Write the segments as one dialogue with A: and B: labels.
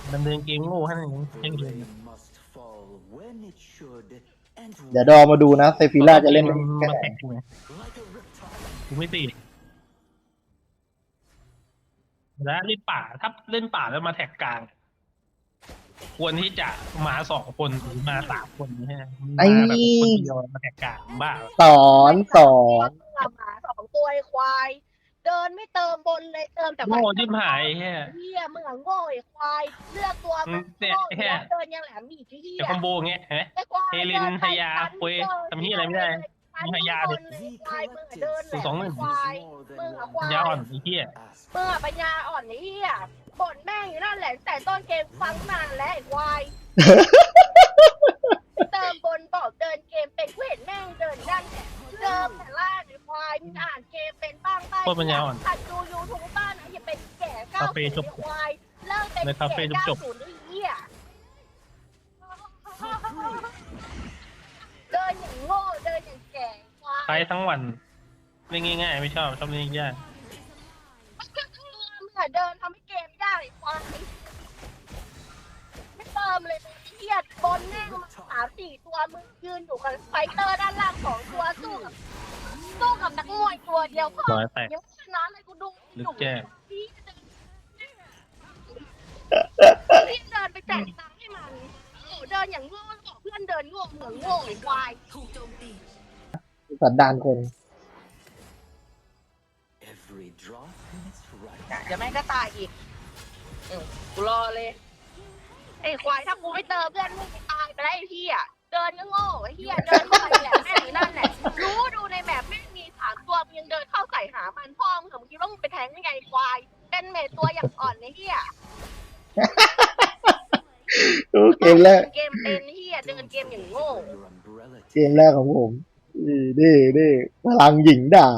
A: ดำเนินเกมโง่ให้หนึ่งให้เรียน
B: เดี๋ยวดอมาดูนะเซฟิล่าจะเล่น
A: มาแข่งกูไงกูไม่ตีแล้วเล่นป่าถ้าเล่นป่าแล้วมาแท็กกลางควรที่จะมา2 คนหรือมา3 คนนี่ฮะมาแบบคนเดียวมาแท็กกลางบ้า
B: สอน
C: หมา2 ตัวไอ้ควายเดินไม่เติมบนเลยเติมแต่
A: โง่จิ้มหายแค่
C: เฮียมึงอะโง่ไอ้ควายเลือกตัวมึงโง่เดินยังแหลมอีกที่เฮีย
A: จะคอมโบเงี้ยฮะเฮลินไฮยาคุยทำที่อะไรไม่ได้มีไฮยาเลย2-1ยาอ่อนไอ้เหี้ย
C: มึงอะปัญญาอ่อนไอ้เฮียบ่นแม่งอยู่นั่นแหละแต่ต้นเกมฟังนานแล้วไอ้ควายเติมบนบอกเดินเกมเป็นเห็นแม่งเดินนั่นเดิมแต่ล่างไอ้ควายมึงอ่านเกมเป็นบ้างไปขัดดูยูทูบบ้านนะอย่าเป็นแก่90ไอ้ควายเลิกเป็นแก่90ไอ้เหี้ยเดินอย่างโง่เดินอย่างแก่ควาย
A: ใช้ทั้งวันเล่นง่ายๆไม่ชอบเล่นยาก
C: มึงอะเดินทำให้เกมยากไอ้ควายไม่เติมเลยเหี้ยบนแม่งมา3-4 ตัวมึงยืนอยู่กับไฟเตอร์ด้านล่าง2 ตัวสู้กับนักมวยตัวเดียวพ่อ
A: ร้อยแตก
C: ยังชนะเลยกูดู
A: ลึกแจ้ง
C: พี่เดินไปแจกตังค์ให้มันเดินอย่างโง่บอกเพื่อนเดินโง่เหมือนโง่ไอ้ควาย
B: สันดานคน
C: เดี๋ยวแม่งก็ตายอีกกูรอเลยไอ้ควายถ้ากูไม่เติมเพื่อนมึงตายไปแล้วไอ้เหี้ยเดินก็โง่ไอ้เหี้ยเดินเข้าไปแหละแม่งอยู่นั่นแหละรู้ดูในแมปแม่งมี3 ตัวมึงยังเดินเข้าใส่หามันพ่อมึงคิดว่ามึงไปแทงยังไงควายเป็นเมทตัวอย่างอ่อนไอ้เหี้ย
B: เกมแรก
C: เกมเป็นเหี้ยเดินเกมอย่างโง่
B: เกมแรกของผมนี่พลังหญิงด่า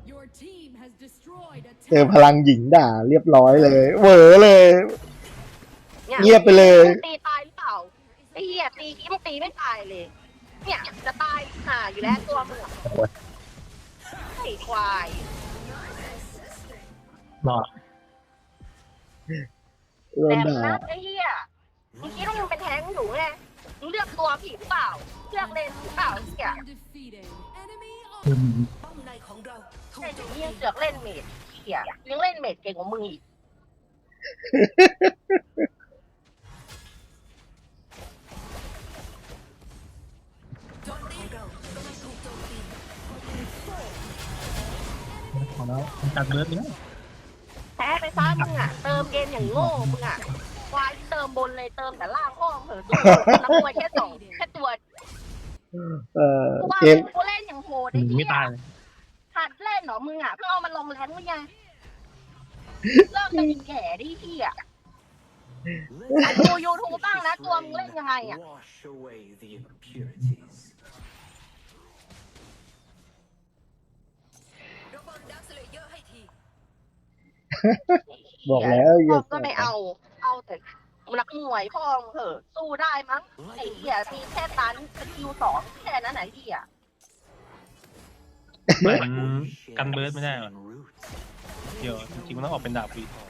B: เจอพลังหญิงด่าเรียบร้อยเลยเหวอเลย เงียบไปเลย
C: ตีตายหรือเปล่าไอ้เหี้ยตีคิดว่าตีไม่ตายเลยเนี่ยจะตายห่าอยู่แล้วตัวมึงไอ้ควาย
A: หรอ
B: โดน
C: แต่
B: ด่า
C: นะไอ้เหี้ยมึงคิดว่ามึงเป็นแท้งอยู่ไงมึงเลือกตัวผิดหรือเปล่าเลือกเลนหรือเปล่าเหี้ยไอ้เหี้ยเสือกเล่นเมดเหี้ยยังเล่นเมดเก่งกว่ามึงอีก
A: ของแล้วตัดเลือดเนี่ย
C: แพ้ไปซะมึงอ่ะเติมเกมอย่างโง่มึงอ่ะควายเติมบนเลยเติมแต่ล่างห้องเหอะดูนักมวยแค่ตัว
B: เกม
C: กูเล่นอย่างโหดไอ้
A: ไม่
C: เหี้ย
A: ตายเลย
C: หัดเล่นเหรอมึงอ่ะเพื่อเอามันลงแรงมึงไงเลิกเป็นแก่ดิเหี้ยดูยูทูบบ้างนะตัวมึงเล่นยังไงอ่ะ
B: บอกแล้วอย่า
C: ก็ไม่เอาแต่นักมวยพ่อมึงเหอะสู้ได้มั้งไอ้เหี้ยมีแค่ตันสกิล2แค่นั้นไหนเหี้ย
A: เหมือนกันเบิร์ดไม่ได้หรอเดี๋ยวจริงๆมันต้องออกเป็นดาบวี